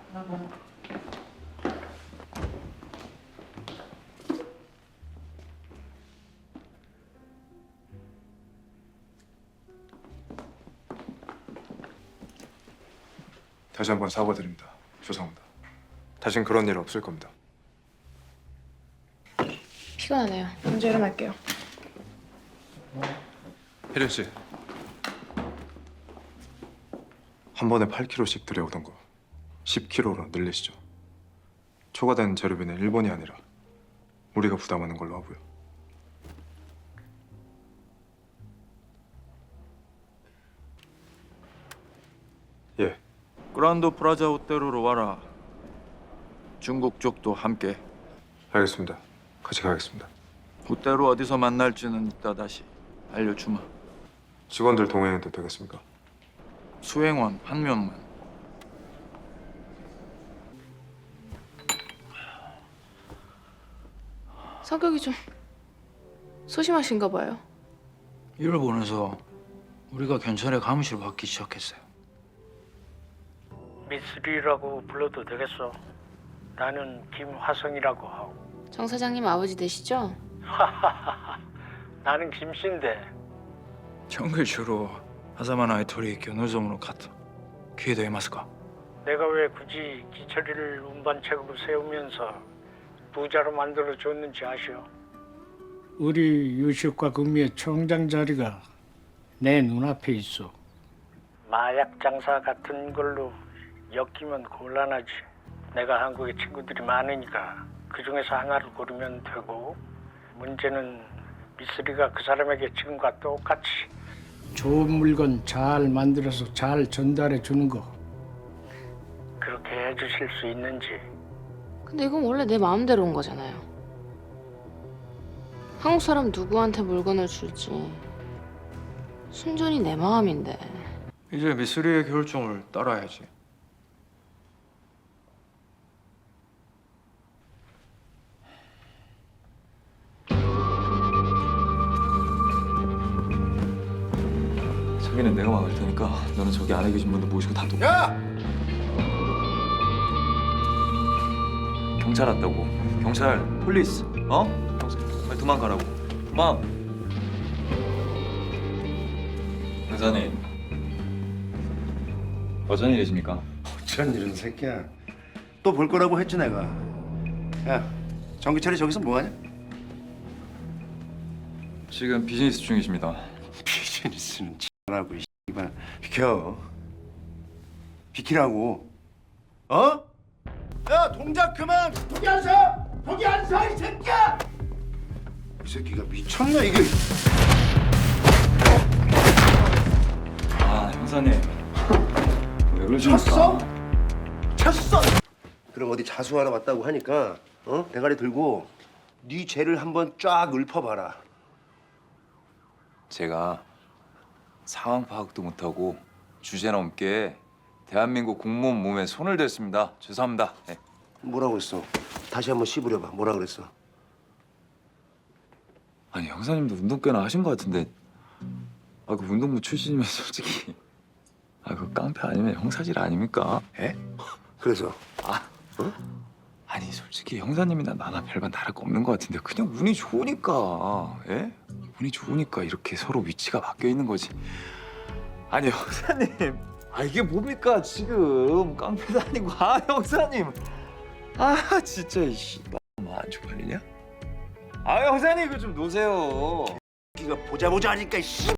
다시 한번 사과드립니다. 죄송합니다. 다신 그런 일 없을 겁니다. 피곤하네요. 먼저 일어날게요. 혜련 씨, 한 번에 8kg씩 들여오던 거 10kg로 늘리시죠. 초과된 재료비는 일본이 아니라 우리가 부담하는 걸로 하고요. 예, 그란드 프라자 호텔로 와라. 중국 쪽도 함께. 알겠습니다. 같이 가겠습니다. 호텔 어디서 만날지는 이따 다시 알려주마. 직원들 동행해도 되겠습니까? 수행원 한 명만. 성격이 좀 소심하신가 봐요. 일본에서 우리가 경찰에 감시를 받기 시작했어요. 미쓰리라고 불러도 되겠어. 나는 김화성이라고 하고. 정 사장님 아버지 되시죠? 나는 김씨인데. 정글 주로 하자마나의 토리 노점으로 갔다. 기회되겠습니까? 내가 왜 굳이 기철이를 운반책으로 세우면서 부자로 만들어줬는지 아시오? 우리 유식과 금미의 총장 자리가 내 눈앞에 있어. 마약 장사 같은 걸로 엮이면 곤란하지. 내가 한국에 친구들이 많으니까 그 중에서 하나를 고르면 되고, 문제는 미쓰리가 그 사람에게 지금과 똑같이 좋은 물건 잘 만들어서 잘 전달해 주는 거. 그렇게 해주실 수 있는지. 근데 이건 원래 내 마음대로 온 거잖아요. 한국 사람 누구한테 물건을 줄지 순전히 내 마음인데. 이제 미쓰리의 결정을 따라야지. 자기는 내가 막을 테니까 너는 저기 안에 계신 분들 모시고 다 도. 야! 경찰 왔다고. 경찰, 폴리스. 어? 경찰, 빨리 도망가라고. 도망. 형사님, 어쩐 일이십니까? 어쩐 일은 새끼야. 또 볼 거라고 했지 내가. 야, 정기철이 저기서 뭐하냐? 지금 비즈니스 중이십니다. 비즈니스는 하고 이발 비켜. 비키라고. 어? 야, 동작 그만. 거기 안 서. 거기 안 서, 이 새끼야. 이 새끼가 미쳤나 이게. 아, 형사님. 왜 그러십니까? 쳤어? 쳤어. 그럼 어디 자수하러 왔다고 하니까 대가리 들고 네 죄를 한번 쫙 읊어봐라. 제가 상황 파악도 못하고 주제 넘게 대한민국 공무원 몸에 손을 댔습니다. 죄송합니다. 네. 뭐라고 했어? 다시 한번 씹으려봐. 뭐라 그랬어? 아니 형사님도 운동 꽤나 하신 것 같은데 그 운동부 출신이면 솔직히 그 깡패 아니면 형사질 아닙니까? 예? 그래서 아니 솔직히 형사님이나 나나 별반 다를 거 없는 것 같은데 그냥 운이 좋으니까 예? 운이 좋으니까 이렇게 서로 위치가 바뀌어 있는 거지. 아니 형사님 이게 뭡니까 지금 깡패도 아니고 형사님 진짜 이씨 안 쪽팔리냐? 형사님 이거 좀 놓으세요. 네가 보자 하니까 씨.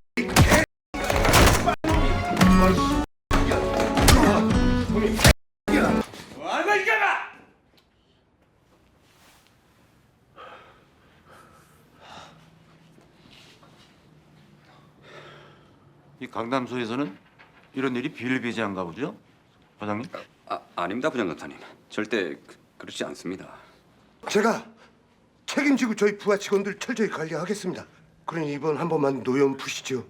이 강남소에서는 이런 일이 비일비재한가 보죠, 과장님? 아닙니다, 부장검사님. 절대 그렇지 않습니다. 제가 책임지고 저희 부하 직원들 철저히 관리하겠습니다. 그러니 이번 한 번만 노연 푸시죠.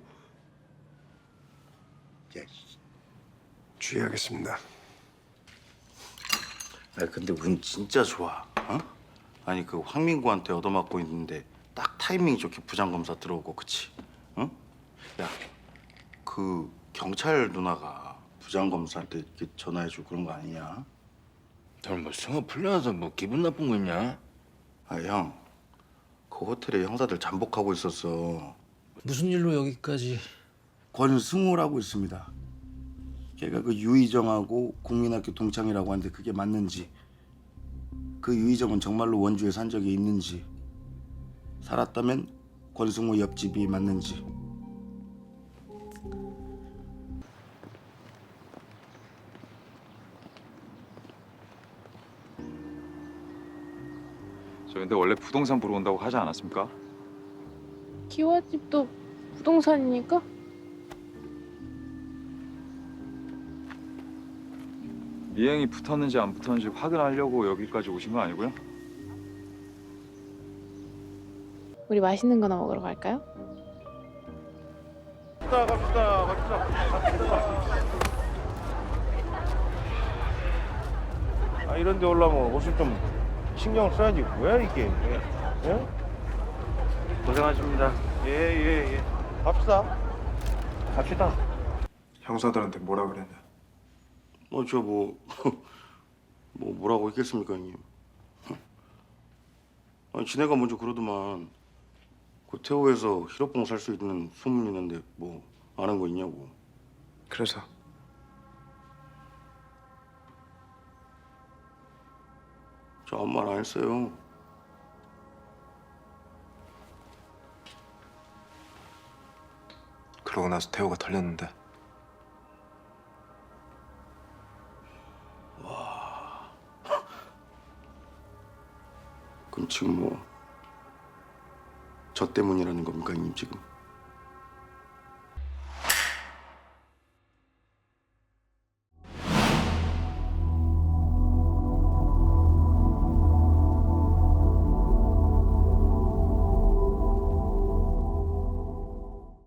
예, 주의하겠습니다. 근데 운 진짜 좋아. 아니 그 황민구한테 얻어맞고 있는데 딱 타이밍 좋게 부장검사 들어오고 그치? 응? 야, 그 경찰 누나가 부장검사한테 이렇게 전화해주고 그런 거 아니냐? 너는 뭐 승호 풀려나서 뭐 기분 나쁜 거 있냐? 아, 형. 그 호텔에 형사들 잠복하고 있었어. 무슨 일로 여기까지? 권승우라고 있습니다. 걔가 그 유희정하고 국민학교 동창이라고 하는데 그게 맞는지, 그 유희정은 정말로 원주에 산 적이 있는지, 살았다면 권승우 옆집이 맞는지. 저 근데 원래 부동산 보러 온다고 하지 않았습니까? 기와집도 부동산이니까? 미행이 붙었는지 안 붙었는지 확인하려고 여기까지 오신 거 아니고요? 우리 맛있는 거나 먹으러 갈까요? 아 이런 데 올라면 옷을 좀 신경 써야지. 뭐야 이게? 예? 고생하십니다. 예. 갑시다. 형사들한테 뭐라 그랬냐? 저 뭐라고 했겠습니까, 형님? 아니, 지네가 먼저 그러더만 그 태호에서 히로뽕 살 수 있는 소문이 있는데 뭐 아는 거 있냐고. 그래서 저 아무 말 안 했어요. 그러고 나서 태호가 털렸는데 그럼 지금 뭐 저 때문이라는 겁니까, 형님 지금?